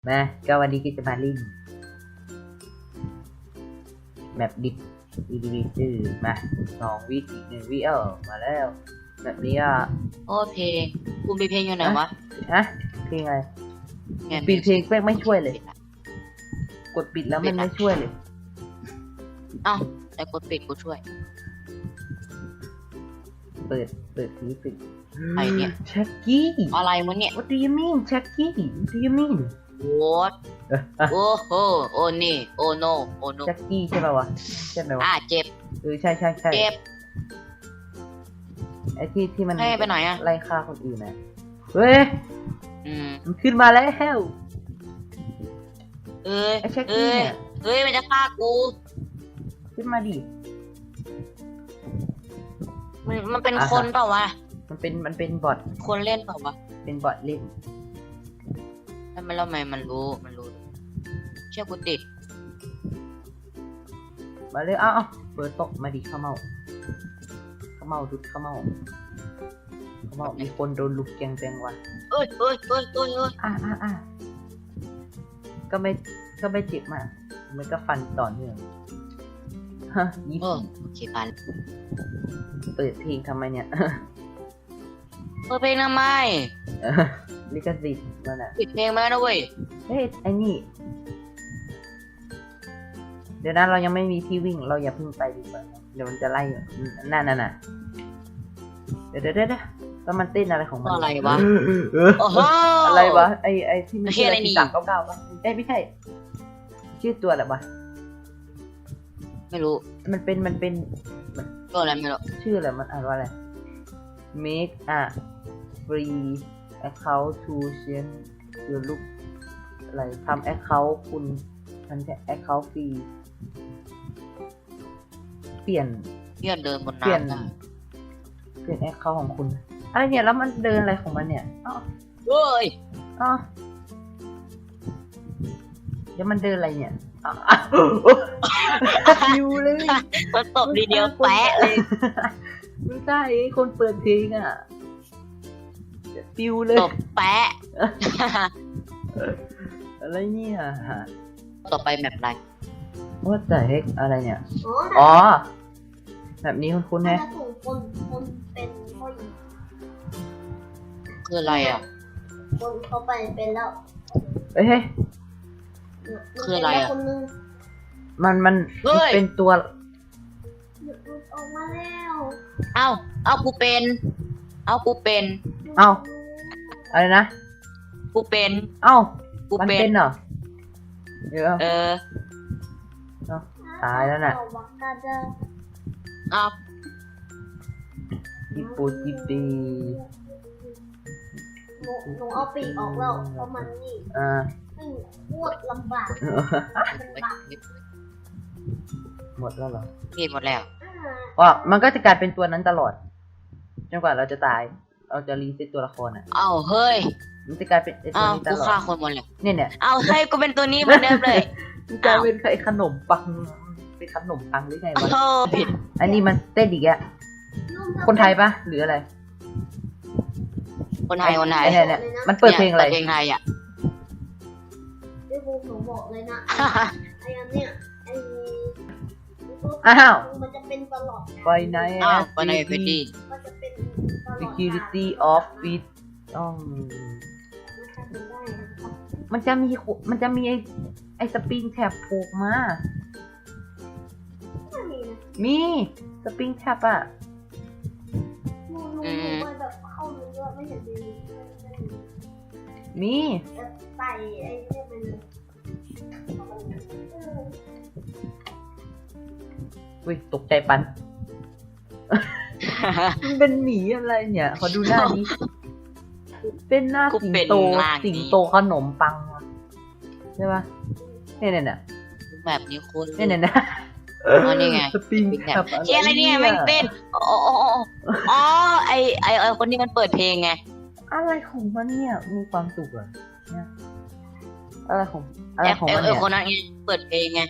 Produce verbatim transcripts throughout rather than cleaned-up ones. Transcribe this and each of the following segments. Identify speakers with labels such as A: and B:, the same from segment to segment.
A: มาก็วันนี้ก็จะมาเล่นแบบดิบอีดีวีซื่อมาสองวิอีกหนึ่งวิเออมาแล้วแบบนี้อ่ะ
B: โอ้เพลงกูมีเพลงอยู่ไหนวะ
A: ฮะเพลงอะไร
B: ไง
A: ปิดเพลงแม่งไม่ช่วยเลย กดปิดแล้วมันไม่ช่วยเลย
B: เอ้าแต่กดปิดกูช่วย
A: เปิดเปิดสีปิด
B: ไอ้เนี่ย
A: แช็กกี้
B: อะไรมึงเนี่ย
A: What do you mean แช็กกี้ What do you mean
B: what โอ้โหโอ้นี่โอ้โนโอ้โน
A: แช็กกี้ใช่ป่าวะใช่ไหมวะ
B: อ่ะเจ็บ
A: เออใช่ใช่ใช่
B: เจ็บ
A: ไอ้ที่ที่มัน
B: ให้ไปไหนอะ
A: ไล่ฆ่าคนอื่นนะเฮ้ย
B: อืม
A: มันขึ้นมาแล้ว
B: เอ้ย
A: ไอ้แช็กกี้
B: เอ้ย
A: เนี่ย
B: เฮ้ยมันจะฆ่ากู
A: ขึ้นมาดิ
B: มันมันเป็น
A: อ่ะ
B: คนเปล่าวะ
A: มันเป็นมันเป็นบอท
B: คนเล่นเปล่าวะ
A: เป็นบอทเล่น
B: แล้วมันแล้วทำไมมันรู้มันรู้เชื่อกูติด
A: มาเลยอ้าวอ้าวเปิดตกมาดิข้าวเมาข้าวเมาดุดข้าวเมาข้าวเมามีคนโดนลุกแกงแปงวะ
B: เอ้ยเอ้ยเอ้ยเอ้ยเอ้ย
A: อ่าอ่าอ่าก็ไม่ก็ไม่เจ็บมากมันก็ฟันต่อเนื่องฮะยี่
B: เออโอเคไป
A: เปิดเพลงทำไมเนี่ย
B: เปิดเพลงทำไม
A: ลิขสิทธิ์มันอ่ะ
B: ปิดเพลงมาแล้วนะเว้ย
A: เฮ้ยไอ้นี่เดี๋ยวนะเรายังไม่มีที่วิ่งเราอย่าเพิ่งไปดีกว่าเดี๋ยวมันจะไล่อืมนั่นน่ะน่ะเดี๋ยวเดี๋ยวเดี๋ยวแล้วมันเต้นอะไรของมัน
B: อะไรวะ
A: เออ
B: โอ้โห
A: อะไรวะไอไอที่มัน
B: เหี้ยอะไรนี่
A: สามเก้าเก้าป่ะเอ้ยไม่ใช่ชื่อตัวอะไรวะ
B: ไม่รู้
A: มันเป็นมันเป็น
B: ตัวอะไรไม่รู้
A: ชื่ออะไรมันอ่านว่าอะไร make a free account to change your look อะไรทำ account คุณทำ account ฟรีเปลี่ยน
B: เพื่อนเดินบน
A: เปลี่ยน
B: น้ำได้
A: เปลี่ยน account ของคุณอะไรเนี่ยแล้วมันเดินอะไรของมันเนี่ยอ๋อ
B: เฮ้ย
A: อ๋อเดี๋ยวมันเดินอะไรเนี่ยอ๋ออยู่เลย
B: มันตบดีเดียวแปะเลย
A: ไม่ใช่ไอ้คนเปิดเพลงอ่ะปิวเลย
B: ตบแปะ
A: อะไรเนี่ย
B: ต่อไปแมปอะไร
A: ว่าแต่เฮกอะไรเนี่ย
C: อ๋อ
A: อ๋อ แบบนี้คุณคุณ
C: แต่
A: แฮะ
C: ถ้าถูกคนคนเป็นผู้หญิง
B: คืออะไรอ่ะ
C: คนเขาไปเป็นแล้ว
A: เอ้ย
B: คืออะไรอะ
C: คนนึง
A: มันมัน
B: เฮ้ย
A: เป็นตัว
C: หยุดออกมาแล้ว
B: เอ้า เอากูเป็น เอากูเป็น
A: เอ้า อะไรนะ
B: กูเป็น
A: เอ้า
B: กู
A: มัน
B: เป็
A: เป็น นเหรอเดี๋ยว
B: เออ
A: ตายแล้วน่ะ
C: เอาวากาเดอร์
B: เอา
A: จิปูจิปี
C: หนูหนูเอาปีกออกแล้วเพราะมันนี่
A: อ่า
C: ไม่โคตรลำบากลำบาก
A: หมดแล้วเหรอ
B: เกมหมดแล้ว
C: อ่า
A: อ๋อมันก็จะกลายเป็นตัวนั้นตลอดจนกว่าเราจะตาย เราจะรีเซ็ตตัวละครอ่ะ
B: เอ้า เฮ้ย
A: มันจะกลายเป็นไอ้ตัว
B: เอ้า
A: นี้ต
B: กู
A: ลอ
B: ฆ่า
A: ด
B: คนหมดเลย
A: เนี่ยเนี่ย
B: เอ้า เฮ้ย กูเป็นตัวนี้เหมือนเดิมเลย
A: มันกลายเป็นไอ้ขนมปังเป็นขนมปังหรือไงวะ
B: โอ้ผิด
A: อันนี้มันเต้นอีกอะคนไทยปะหรืออะไร
B: คนไทย คนไทย
A: ไอ้เนี่ยเนี่ยมันเปิดเพลงอะไร
B: เพลงไทยอ่ะ
C: พี่บูมหนูบอกเลยนะไอ้อันเนี้ยไอ้
A: อ้าว
C: มันจะเป็นตลอด
A: ไฟไนท์
B: อ้าวคนไทยเพชรดี
C: มันจะเป็นตลอด
A: security of it ต้องมันจะมีขมันจะมีไอไอสปริงแท็บผูกมา
C: ไม่มีนะ
A: มีสปริงแท็บอะ
C: หนูหนูหนูไปแบบเข้าเนื้อไม่เห็นดีไม่เห็นดี
A: มี
C: จะใส่ไอ้เนี่ยไปเลยเออ
A: อุ้ยตกใจปัน มันเป็นหมีอะไรเนี่ย ขอดูหน้านี้ เป็นหน้า
B: กู
A: สิง
B: เป็น
A: โต
B: ร่างนี้
A: สิงโตขนมปังอะใช่ปะเนี่ยเนี่ยเนี่ย
B: แบบนี้คุณ
A: เนี่ยเนี่ยเนี่ย
B: อ๋อนี่ไง
A: สปริง
B: เป็น
A: แท็
B: แบบ
A: บอะไร
B: เชี่ยอะไรเนี่ยแม่งเต้นอ๋ออ๋ออ๋ออ๋อไอไอไอคนที่มันเปิดเพลงไง
A: อะไรของมันเนี่ยมีความสุขเหรอเนี่ยอะไรของอะไร
B: แอป
A: ของ
B: เอ
A: มัน
B: อ
A: เนี่ย
B: คนนั้นไงเปิดเพลงไง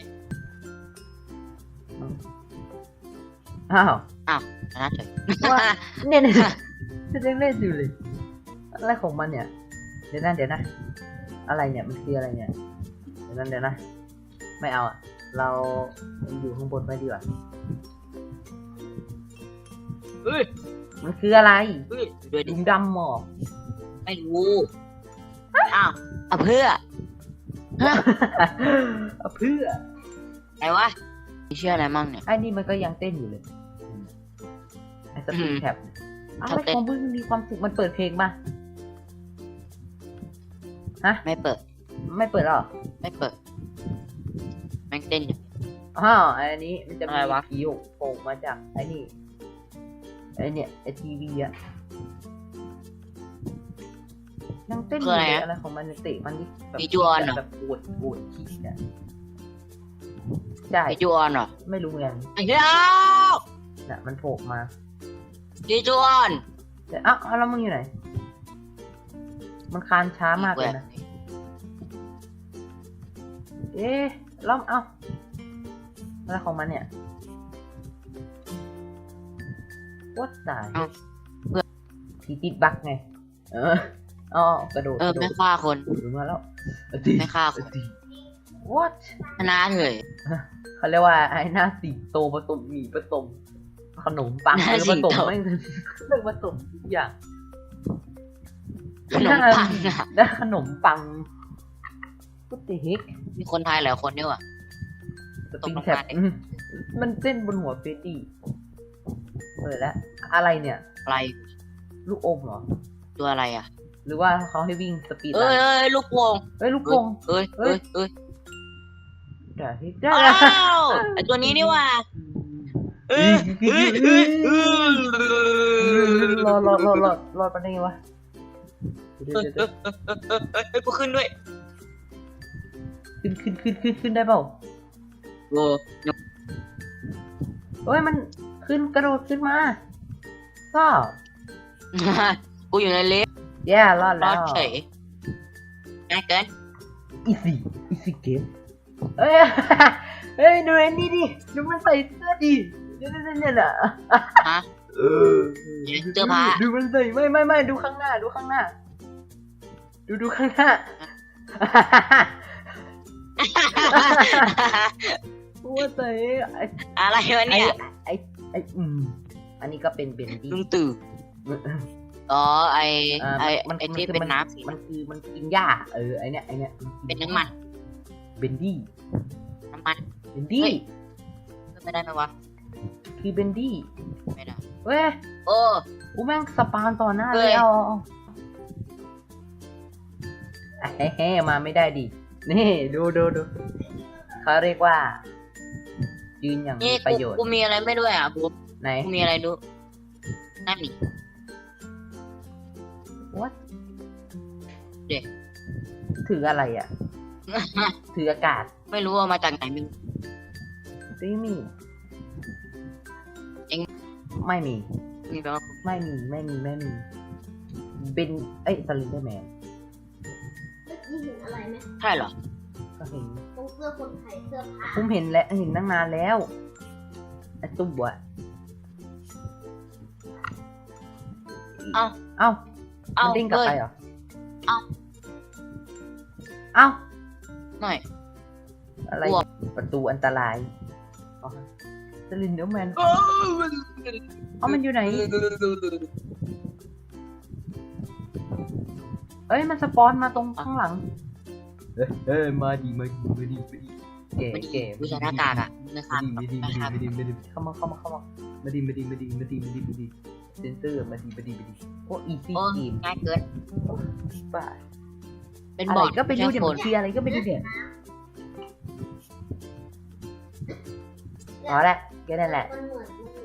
A: อ้าว
B: ชนะเฉย
A: ว่าเนี่ยเนี่ยจะยังเล่นอยู่เลยอะไรของมันเนี่ย เดี๋ยวนะเดี๋ยวนะอะไรเนี่ยมันคืออะไรเนี่ยเดี๋ยวนั้นเดี๋ยวนะไม่เอาอะเราอยู่ข้างบนไม่ดีกว่า
B: เฮ้ย
A: มันคืออะไร
B: เฮ้ยด้วยดิ
A: ดุมดำหมอ
B: ไม่รู้อ้าวเอาเพื่อฮะ
A: เอาเพื่อ
B: ไหนวะมีชื่ออะไรมั่งเนี่ย
A: ไอ้นี่มันก็ยังเต้นอยู่เลยไอ้สปีดแท็บอะ
B: ชอบ
A: ไร
B: เต้น
A: ของมึงมีความสุขมันเปิดเพลงป่ะฮะ
B: ไม่เปิด
A: ไม่เปิดหรอ
B: ไม่เปิดแม่งเต้นอยู่
A: อ้าวไอ้นี้มันจะมี
B: อะไรวะ
A: ผีโผล่มาจากไอ้นี่ไอ้เนี่ยไอ้ทีวีอะยังเต้นอยู่เลยอะไรของมันเนี่ยเตะมันดิแบบ
B: มีจวนเหรอ
A: แบบปวดปวดขี้เนี่ยใช่
B: ไอจูออนเหรอ
A: ไม่รู้เหมือนกัน
B: ไอ้เหี้ย
A: น่ะมันโผล่มา
B: ดีจูออน
A: แต่อ้าวอ้าวแล้วมึงอยู่ไหน มันคานช้ามากเลยนะ เอ๊ะแล้วเอ้าอะไรของมันเนี่ยวัดสายผีติดบักไง เอออ๋อกระโดด
B: เอก อ
A: ระโด
B: ไม่
A: ด
B: ฆ่าคน
A: ถึงมาแล้ว
B: ไม่ฆ่าคน
A: what
B: ชนะเลย
A: เขาเรียกว่าไอ้หน้าสิงโตผสมหมี่ผสมขนมปัง
B: หน้า
A: เออ
B: สิ
A: ผ
B: ง
A: สม
B: โต
A: ไม่เรื่องผสมทุกอย่าง
B: ขนมปังอะ
A: ได้ขนมปังก็ติฮิก
B: มีคนไทยหลายคนด้วยว่ะ
A: สปริงแท็บ
B: ตกลงมาดิ
A: อืมมันเส้นบนหัวเฟรดดี้เปิดแล้วอะไรเนี่ย
B: อะไร
A: ลูกอมเหรอ
B: ตัวอะไรอ่ะ
A: หรือว่าเขาให้วิ่งสปีด
B: เอ้ยเอ้ยลูกโป่ง
A: เฮ้ยลูกโป่ง
B: เอ้ยเอ้ยเอ้ย
A: ได้ได้
B: อ้าวไอตัวนี้นี่ว่ะเอ้ยเอ้ยเอ้ยเอ้ย
A: รอรอรอรอรอดไปได้ไงวะเดี๋ยว
B: เอ้ย
A: เดี๋ยว
B: เอ้ยเอ้ยกูขึ้นด้วย
A: ขึ้นขึ้นขึ้นขึ้นขึ้นได้เปล่า
B: โอ้
A: เฮ้ยมันขึ้นกระโดดขึ้นมาก็
B: กูอยู่ในลิฟต์
A: แย่รอด
B: ร
A: แล้
B: อ
A: ว
B: ดเฉยง่ายเกิน
A: อีซี่อีซี่เกมเฮ้ย เฮ้ยดูไอ้นี่ดิดูมันใส่เสื้อดิเนี่ยเนี่ยเนี่ยน่ะ
B: ฮะ
A: เออ
B: เสื้อผ้า
A: ดูมันใส่ไม่ไม่ไม่ดูข้างหน้าดูข้างหน้า ดูดูข้างหน้าว่าใส่ไอ้
B: อะไรวะ
A: ไอ้
B: เนี่ย
A: ไอ้ไอ้อืมอันนี้ก็เป็นเบนดี้
B: ลุงตู่อ๋อไอ
A: อ่า
B: ไอ
A: มัน
B: ไอ
A: มัน
B: ที่
A: คือ
B: เป็น
A: มัน
B: น้ำสี
A: มันคือมันกินหญ้าเออไอเนี้ยไอเนี้ย
B: เป็นน้ำมัน
A: เบนดี้
B: น้ำมัน
A: เบนดี้
B: เฮ้ย ไม่ได้ไหมวะ
A: คือเบนดี้
B: ไม่ได้
A: เว้ย
B: โอ้
A: กูแม่งสปานต่อหน้า
B: เฮ้
A: เลย ยเอาเอาเอาเฮ้เฮ้มาไม่ได้ดินี่ดูดูดูเขาเรียกว่า ยืนอย่างมี
B: นี่
A: ประ
B: กู
A: โยชน์
B: กูมีอะไรไม่ด้วยอ่ะกู
A: ไหน
B: กูมีอะไรดูนั่นนี่
A: what
B: เด็ก
A: ถืออะไรอ่ะ ถืออากาศ
B: ไม่รู้ว่ามาจากไหนมึง
A: ไม่มี
B: เอ็ง
A: ไม่มี
B: มีแปลว่า
A: ไม่มีไม่มีไม่มีเป็นเอ้ยสลินเดอร์แมน
C: เมื่อกี้เห็นอะไรไหม
B: ใช่เหรอ
A: ก็เห็น
C: ตรงเสื้อคนไทยเสื้อผ้า
A: ผมเห็นแล้วเห็นตั้งนานแล้วไอ้ตุ๊บอะ
B: เอ้า
A: เอ้า
B: เอ้า
A: มันดิ้งกลับ
B: เฮ้ย
A: ไปเหรอ
B: เอ้า
A: เอ้า
B: หน่อย
A: อะไร
B: บวก
A: ประตูอันตรายอ๋อสลินเดอร์แมน
B: เอ้
A: เอ้ามันอยู่ไหนเอ้ยมันสปอนมาตรงข้างหลังเอ้ยเอ้ยมาดีมาดีมาดีมาดีเก๋
B: มัน
A: เก๋
B: กูใส่หน้ากากอ่ะนะครับ
A: มาดีมาดี
B: นะครับ
A: มาดีมาดีเข้ามาเข้ามาเข้ามามาดีมาดีมาดีมาดีมาดีมาดีเซนเซอร์มาดีมาดีมาดีโอ้อีซี่
B: โอ้
A: เกม
B: ง่ายเกิน
A: บ้า
B: เป็น
A: อะ
B: บ
A: ไร
B: อร์ด
A: ก็ไปดู
B: ใช่
A: เดี๋ยว
B: ค
A: มัน นเคลียร์อะไรก็ไปดูเดี๋ยวพอละแค่นั้นแหละ
C: มันเหมือน